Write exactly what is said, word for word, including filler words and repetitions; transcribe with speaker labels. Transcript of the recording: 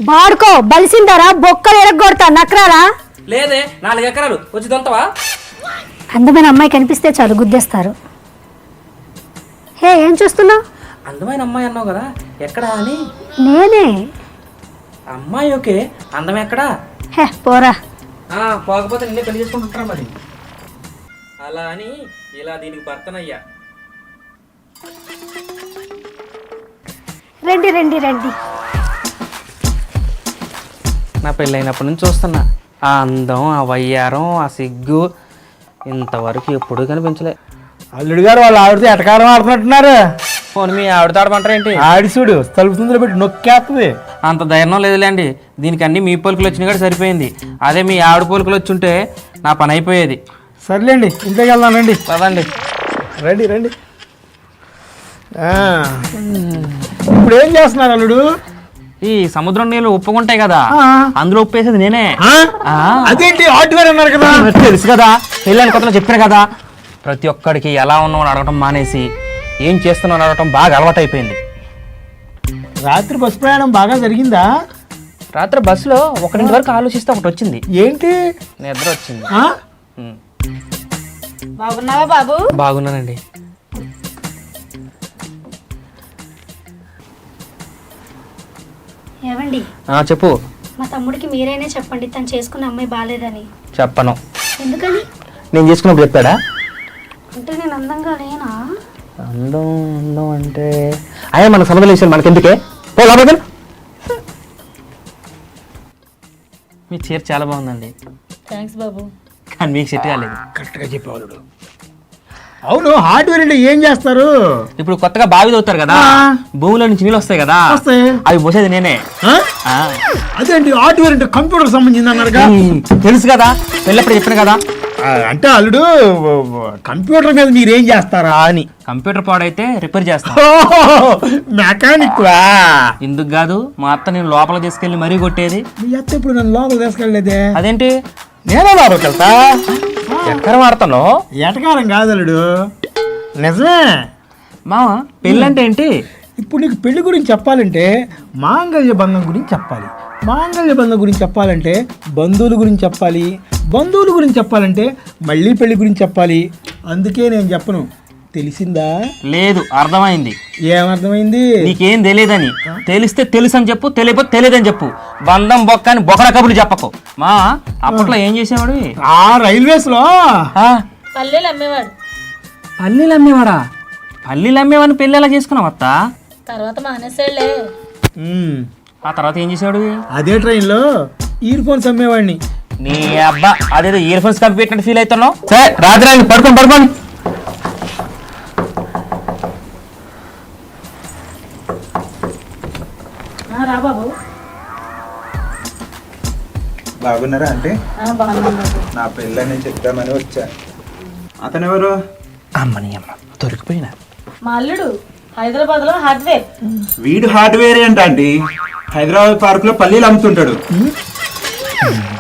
Speaker 1: బాడుకో బలిసిందరా బొక్కలు ఎరగొడతా నక్రారా
Speaker 2: లేదే నాలుగు ఎకరాలు వచ్చి దొంతవా
Speaker 1: అందమైన అమ్మాయి కనిపిస్తే చాలు గుద్దేస్తారు. హే ఏం చూస్తున్నావు?
Speaker 2: అందమైన అమ్మాయి అన్నావు కదా ఎక్కడా అని.
Speaker 1: నేనే.
Speaker 2: అమ్మాయి ఓకే, అందం ఎక్కడా?
Speaker 1: హే పోరా.
Speaker 2: పోకపోతే నిన్నే పెళ్లి చేసుకుంటుంటారా మరి. అలా అని ఇలా దీనికి భర్తనయ్యా.
Speaker 1: రండి రండి రండి.
Speaker 2: నా పెళ్ళైనప్పటి నుంచి చూస్తున్నా ఆ అందం, ఆ వయ్యారం, ఆ సిగ్గు ఇంతవరకు ఎప్పుడు కనిపించలే.
Speaker 3: అల్లుడు గారు వాళ్ళు ఆవిడతో ఎటకారం ఆడుతున్నట్టున్నారు.
Speaker 2: పోనీ మీ ఆవిడతో ఆడమంటారేంటి?
Speaker 3: ఆడిసుడు తలుపు ముందులో పెట్టి నొక్కేస్తుంది.
Speaker 2: అంత ధైర్యం లేదులేండి, దీనికి అన్ని మీ పోలికలు వచ్చినా కూడా సరిపోయింది. అదే మీ ఆవిడ పోలికలు వచ్చి ఉంటే నా పని అయిపోయేది.
Speaker 3: సర్లేండి ఇంట్లోకి వెళ్దాం రండి.
Speaker 2: పదండి
Speaker 3: రండి రండి. ఇప్పుడు ఏం చేస్తున్నారు అల్లుడు?
Speaker 2: ఈ సముద్రం నీళ్ళు ఉప్పుకుంటాయి కదా, అందులో ఉప్పేసేది నేనే.
Speaker 3: అదేంటి హార్డ్వేర్ అన్నారు కదా?
Speaker 2: తెలుసు కదా, పెళ్ళని కొత్తలో చెప్పాను కదా. ప్రతి ఒక్కడికి ఎలా ఉన్నావు అని అడగటం మానేసి ఏం చేస్తున్నావు అని అడగటం బాగా అలవాటు అయిపోయింది.
Speaker 3: రాత్రి బస్సు ప్రయాణం బాగా జరిగిందా?
Speaker 2: రాత్రి బస్సులో ఒకరింటి వరకు ఆలోచిస్తే ఒకటి వచ్చింది.
Speaker 3: ఏంటి?
Speaker 2: నిద్ర వచ్చింది.
Speaker 1: బాగున్నావా బాబు?
Speaker 2: బాగున్నానండి.
Speaker 1: ఏవండి
Speaker 2: చెప్పు.
Speaker 1: మా తమ్ముడికి మీరైనా చెప్పండి తను చేసుకున్న అమ్మాయి బాలేదని.
Speaker 2: చెప్పను.
Speaker 1: ఎందుకని?
Speaker 2: నేను చేసుకున్నప్పుడు చెప్పాడా?
Speaker 1: అంటే నేను అందంగా లేనా?
Speaker 2: అందం అందం అంటే అయ్యా మన సంబంధం విషయం మనకెందుకే. మీ చీర చాలా బాగుందండి.
Speaker 1: థ్యాంక్స్ బాబు.
Speaker 2: కానీ మీకు సెట్ కాలేదు.
Speaker 3: కరెక్ట్గా చెప్పేవాళ్ళు. అవును, హార్డ్వేర్ అంటే ఏం చేస్తారు?
Speaker 2: ఇప్పుడు కొత్తగా బావి తవ్వుతారు కదా, భూమిలో నుంచి నీళ్ళు వస్తాయి కదా, అవి పోసేది నేనే.
Speaker 3: అదేంటి హార్డ్వేర్ అంటే కంప్యూటర్ సంబంధించింది అన్నారుగా?
Speaker 2: తెలుసు కదా, వెళ్ళప్పుడు చెప్పాను కదా.
Speaker 3: అంటే అల్లుడు కంప్యూటర్ మీద మీరేం చేస్తారా అని.
Speaker 2: కంప్యూటర్ పాడైతే రిపేర్ చేస్తా.
Speaker 3: మెకానిక్
Speaker 2: ఎందుకు కాదు, మా అత్త నేను లోపల తీసుకెళ్లి మరీ కొట్టేది.
Speaker 3: మీ అత్త ఇప్పుడు నన్ను లోపల తీసుకెళ్ళలేదే.
Speaker 2: అదేంటి?
Speaker 3: నేనే లోపలికి వెళ్తా.
Speaker 2: ఎక్కడ వాడతాను?
Speaker 3: ఎటకారం కాదు అల్లుడు, నిజమే.
Speaker 2: మామ పెళ్ళంటే ఏంటి?
Speaker 3: ఇప్పుడు నీకు పెళ్లి గురించి చెప్పాలంటే మాంగళ్య బంధం గురించి చెప్పాలి. మాంగళ్య బంధం గురించి చెప్పాలంటే బంధువుల గురించి చెప్పాలి. బంధువుల గురించి చెప్పాలంటే మళ్ళీ పెళ్లి గురించి చెప్పాలి. అందుకే నేను చెప్పను. తెలిసిందా?
Speaker 2: లేదు, అర్థమైంది.
Speaker 3: ఏమర్థమైంది?
Speaker 2: నీకేం తెలియదని. తెలిస్తే తెలుసు అని చెప్పు, తెలియకపోతే తెలియదని చెప్పు. బంధం బొక్క అని బొక్కల కబుర్లు చెప్పకు. మా అప్పట్లో ఏం చేసేవాడు?
Speaker 3: ఆ రైల్వేస్ లో
Speaker 1: పల్లెలు అమ్మేవాడు.
Speaker 2: పల్లీలు అమ్మేవాడా? పల్లీలు అమ్మేవాడిని పెళ్ళి ఎలా చేసుకున్నావు అత్త?
Speaker 1: తర్వాత మానేసాడులే.
Speaker 2: ఆ తర్వాత ఏం చేసేవాడు?
Speaker 3: అదే ట్రైన్ లో ఇయర్ ఫోన్స్ అమ్మేవాడిని.
Speaker 2: నీ అబ్బా, అదేదో ఇయర్ ఫోన్స్ కంపి పెట్టినట్టు ఫీల్ అవుతున్నావు. సరే రాత్రి పడుకోండి పడుకోండి.
Speaker 4: బాగున్నారా అంటే? నా పెళ్ళని చెప్తామని వచ్చా. అతను ఎవరు?
Speaker 2: అమ్మని అమ్మ దొరికిపోయినా.
Speaker 1: మా అల్లుడు హైదరాబాద్ లో హార్డ్వేర్.
Speaker 4: వీడు హార్డ్వేర్ ఏంటండి? హైదరాబాద్ పార్క్ లో పల్లీలు అమ్ముతుంటాడు.